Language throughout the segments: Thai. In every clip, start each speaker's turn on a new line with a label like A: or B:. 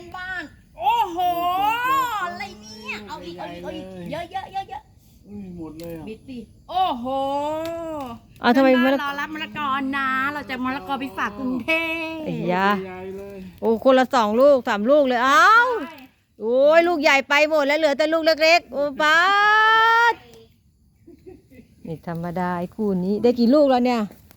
A: อนบ้านโอ้โหอะไรเนี่ยเอาอีกเยอะ
B: หมดเลย
A: บิดดิโอ้โห
C: ทำไมมะละ
A: รอรับมะละกอนะเราจะมะละกอไปฝากกรุงเทพ
C: ไอ้ยา
B: ใหญ่เลย
C: โอ้คนละ2 ลูก 3 ลูกเลยอ้าวโอ้ยลูกใหญ่ไปหมดแล้วเหลือแต่ลูกเล็กๆโอ้ป้าดนี่ธรรมดาไอ้คู่นี้ได้กี่ลูกแล้วเนี่ย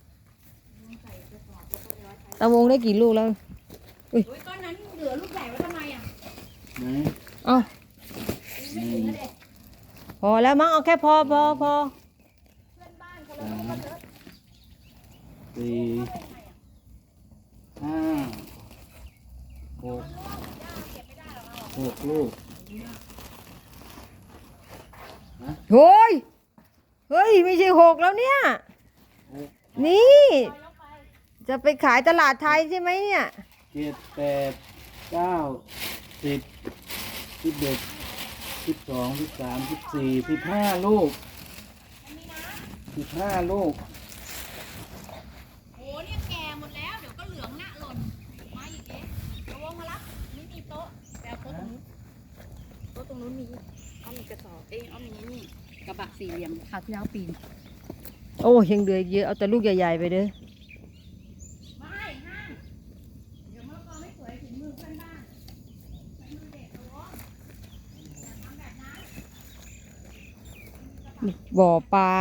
C: ตะวงได้กี่ลูกแล้ว
A: อุ้ยก้อนนั้นเหลือลูกใหญ่ไว้ทำไมอ่ะ
B: ไหน
C: เอ้า
A: ไม่ถึงแล้วเด็ก
C: พอแล้วมั้งเอาแค่พอ
A: เพื่อนบ้านคนละลูกก็เถอะ
B: 4 5 6 ลูก
C: โอ้ยเฮ้ยไม่ใช่6แล้วเนี่ยนี่จะไปขายตลาดไทยใช่ไหมเนี่ย
B: 7 8 9 10 11 12 13 14 15 ลูก 15 ลูก
A: โอ้เนี่ยแก่หมดแล้วเดี๋ยวก็เหลืองหน้าหล่นมาอีกเอ๊ะระวังมารับไม่มีโต๊ะแต่โต๊ะตรงนู้นมีเอามีกระสอบเอามีนี่กระบะสี่เหลี่ยมคราวที่แล้วปีน
C: โอ้ยังเหลือเยอะเอาแต่ลูกใหญ่ๆไปเด้อ
A: ไม่ห้ามเดี๋ยวมะละกอไม่สวยถึงมือเพื่อนบ้านใช้มือเด็กระวังอย่าทำแบบนั้น
C: บ่อปลา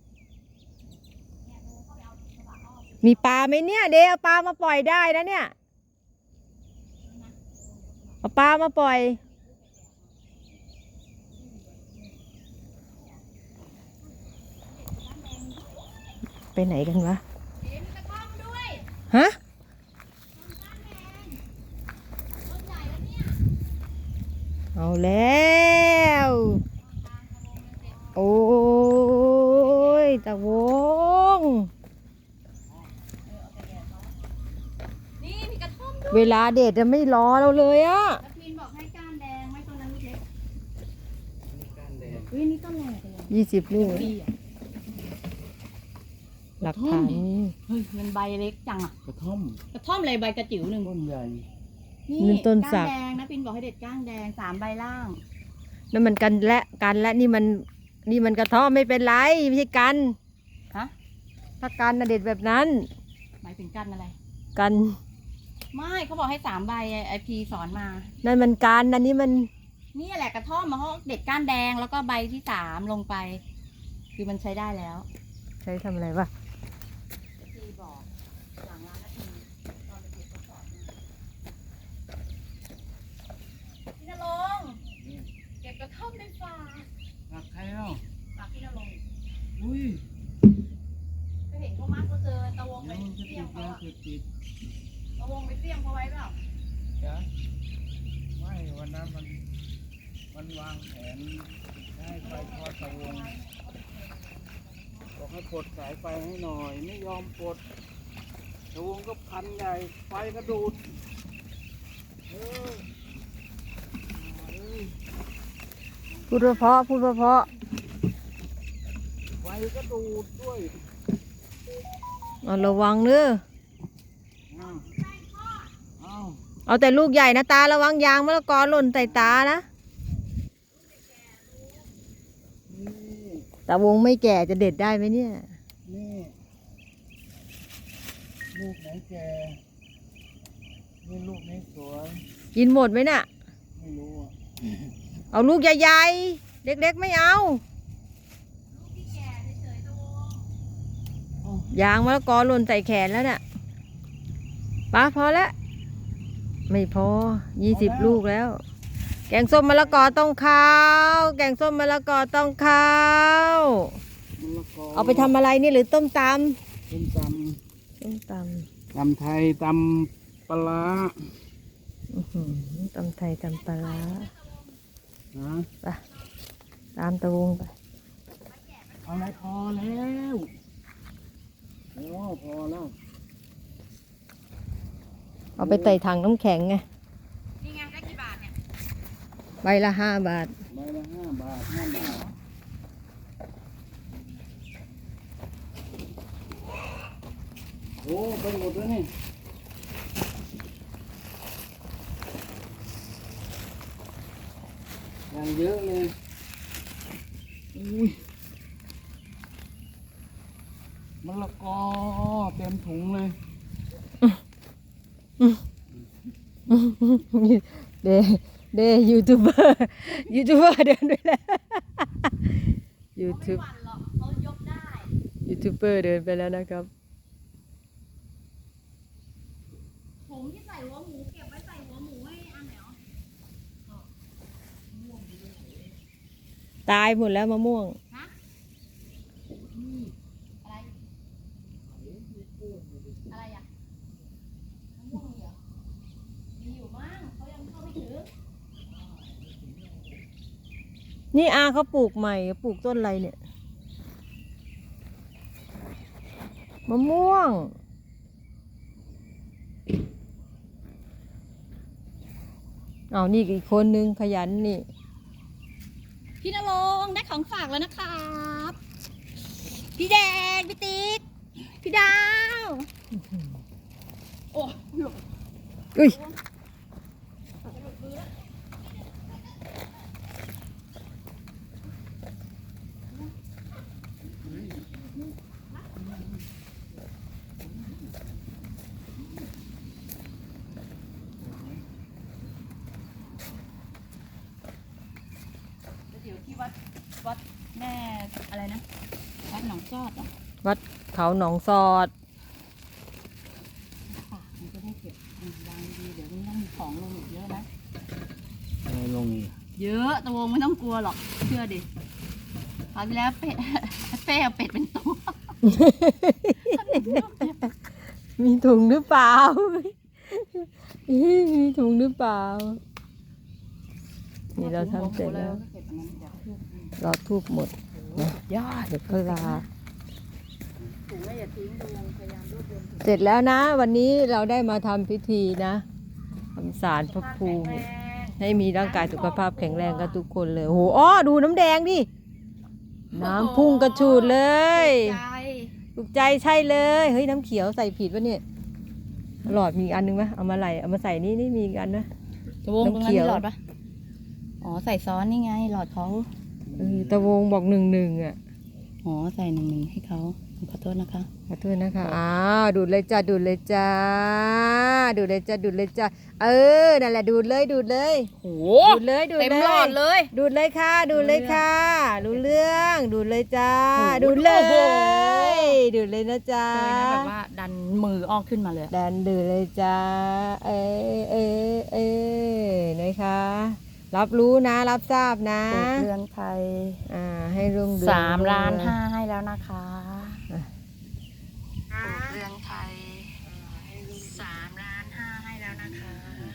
C: มีปลาไหมเนี่ยเดเอาปลามาปล่อยได้นะเนี่ยเอาปลามาปล่อยไปไหนกันวะ
A: เดี๋ยวมีตะกร้อมาด้วย
C: ฮะ
A: ต้นใหญ่แล้วเนี่ย
C: เอาแล้วโอ้ยตะวง
A: นี่มีกระท่อมด้วย
C: เวลาเด็ดจะไม่รอเราเลยอะ
A: แล้วพินบอกให้ก้านแดงไม่ต้นนั้นลูกเล็ก
B: ก้านแดง
A: เฮ้ยนี่ต้นอะไรกัน
C: 20 ลูก
A: ดีอ่ะ
C: หลักฐานนี่
A: เฮ้ยมันใบเล็กจังอ่ะ
B: กระท่อม
A: กระท่อมอะไรใบกระจิ๋วหนึ่ง
B: ต้นใหญ่
C: นี่ต้นสั
A: ก้าก นแดงนะพินบอกให้เด็ดก้านแดง3 ใบล่าง
C: นั่นมันกันและนี่มันกระท่อมไม่เป็นไรไม่ใช่กัน
A: ฮะ
C: ถ้ากันน่ะเด็ดแบบนั้น
A: หมายถึงก้านอะไร
C: กัน
A: ไม่เขาบอกให้3 ใบไอพีสอนมา
C: นั่นมันกันอันนี้มัน
A: นี่แหละกระท่อมมาเขาเด็ดก้านแดงแล้วก็ใบที่3ลงไป คือมันใช้ได้แล้ว
C: ใช้ทำอะไรวะ
A: พีบอกหลังร้านนาทีตอนไปเก็บกระสอบเนี่ยพี่นรงค์เก็บกระท่อมในฝาก
B: รักใครเอ้า
A: ฝากพี่นรงค์
B: อุ้ย
A: ก็เห็นเขามักก็เจอตะวงไป
B: เดี๋ยวมันจะ
A: เสี่
B: ติ
A: ย
B: ด
A: งเขา
B: ยา
A: อะ
B: เสพติด
A: ตะวงไปเสี่ยงเขาไว้เปล่า
B: จ้ะไม่วันนั้นมันวางแผนให้ไฟทอดตะวงบอกให้ปลดสายไฟให้หน่อย ไม่ยอมปลดตะวงก็พันใหญ่ไฟกระดูดเออเอ้ย
C: พูดเพราะ
B: ไฟก็ดูดด้วย
C: เอาระวังเด้อ
B: อ้าวอ้าว
C: เอาแต่ลูกใหญ่นะตาระวังยางมะละกอหล่นใส่ตานะ
B: นี่
C: ตาวงไม่แก่จะเด็ดได้ไหมเนี่ย
B: นี่ลูกไหนแก่นี่ลูกนี้สวย
C: กินหมดไหมน่ะ
B: ไม่รู้อ่ะ
C: เอาลูกใหญ่ๆ เล็กๆไม่เอา
A: ลูกที่แก่เฉยๆตะวง
C: ยางมะละกอหล่นใส่แขนแล้วน่ะป้าพอแล้ว ไม่พอ 20 ลูกแล้ว แกงส้มมะละกอต้องข้าวแกงส้มมะละกอต้องข้าว
B: มะละกอ
C: เอาไปทำอะไรนี่หรือต้มต
B: ต้มต
C: ำต้มต
B: ำตำไทยตำปลาร้า
C: ำตำไทยตำปลาร้า
B: นะ
C: ไปตามตะวงไป
B: เอาอะไรพอแล้วโอ้พอแล้ว
C: เอาไปใส่ถังน้ำแข็งไง
A: นี่ไงได้กี่บาทเนี่ย
C: ใบละ5 บาท
B: ใบละ5 บาท5 บาทโอ้ไปหมดแล้วนี่อย่างเยอะเลยอุ้ยมะละกอเต็มถุงเลย
C: เดยูทูบเบอร์ยูทูบเบอร์เดินด้วยแล้วยู
A: เขา
C: ทู
A: ไม่
C: บ
A: หวั่นหรอกเขายกได้
C: ยูทูบเบอร์เดินไปแล้วนะครับ
A: ถุงที่ใส่หัวหมูเก็บไว้ใส่หัวหมูให้อันไหนอ๋อ
C: ตายหมดแล้วมะม่วง
A: ฮะอะไรอะไรอ่ะมะม่วงมีเหรอมีอยู่มั้งเขายังเข้าไม่ถึง
C: นี่อาเขาปลูกใหม่ปลูกต้นอะไรเนี่ยมะม่วงเอานี่อีกคนนึงขยันนี่
A: พี่นรงค์ได้ของฝากแล้วนะครับ พี่แดง พี่ติ๊ก พี่ดาว โอ้หลบ
C: อุ้ย
A: เดี๋ยวที่วัดแม่อะไรนะ วัดหนองจอดอ่ะ
C: วัดเขาหนองซอด
A: ค่ะมันจะได้เก็บวางดีเดี๋ยวมันต้องมีของลงอีกเยอะนะ
B: อะไรลงอีก
A: เยอะตะวงไม่ต้องกลัวหรอก เชื่อดิคราวที่แล้วเป็ด เป้เอาเป็ดเป็นตัว
C: มีถุงหรือเปล่า มีถุงหรือเปล่า นี่เราทำเสร็จแล้ว
A: เก็บอันนั้นเดี๋ยว
C: รอทูบหมดนะ
A: ยอด
C: เดี๋ยวก็ลา
A: ถุงไม่อย่าทิ้งตะวงพยายามรวบรวมถุง
C: เสร็จแล้วนะ วันนี้เราได้มาทำพิธีนะทำศาลพระภูมิ ให้มีร่างกายสุขภาพแข็งแรงกันทุกคนเลยโอ้โหอ้อดูน้ำแดงดิ น้ำพุ่งกระฉูดเลย
A: ใจ
C: ถูกใจใช่เลย เฮ้ยน้ำเขียวใส่ผิดวะเนี่ย หลอดมีอีกอันนึงไหมเอามาไหลเอามาใส่นี่มีอีกอันนะ
A: ตะวงตรง
C: น้ำ
A: นั้
C: เขี
A: น
C: ยว
A: มีหลอดปะอ๋อใส่ซ้อนนี่ไงหลอดเขา
C: ตะวงบอก1-1อ่ะ
A: อ๋อใส่1-1ให้เขาขอโทษนะคะ
C: ขอโทษนะคะอ้าวดูดเลยจ้าดูดเลยจ้าดูดเลยจ้าดูดเลยจ้าเออนั่นแหละดูดเลยดูดเลย
A: โอ้
C: ดูดเลยดูด
A: เต็ม
C: เลย
A: หลอดเลย
C: ดูดเลยค่ะดูดเลยค่ะรู้เรื่องดูดเลยจ้า
A: โอ้โห
C: ดูดเล
A: โอ้โห
C: ยดูดเลยนะจ้า
A: เคยนะแบบว่าดันมือออกขึ้นมาเลย
C: ดันดูดเลยจ้าเอนะคะรับรู้นะรับทราบนะ
A: ปลูกเรือนไทย
C: ให้รุ่งเรือง
A: 3,500,000ให้แล้วนะคะปลูกเรือนไทย3,500,000ให้แล้วนะคะ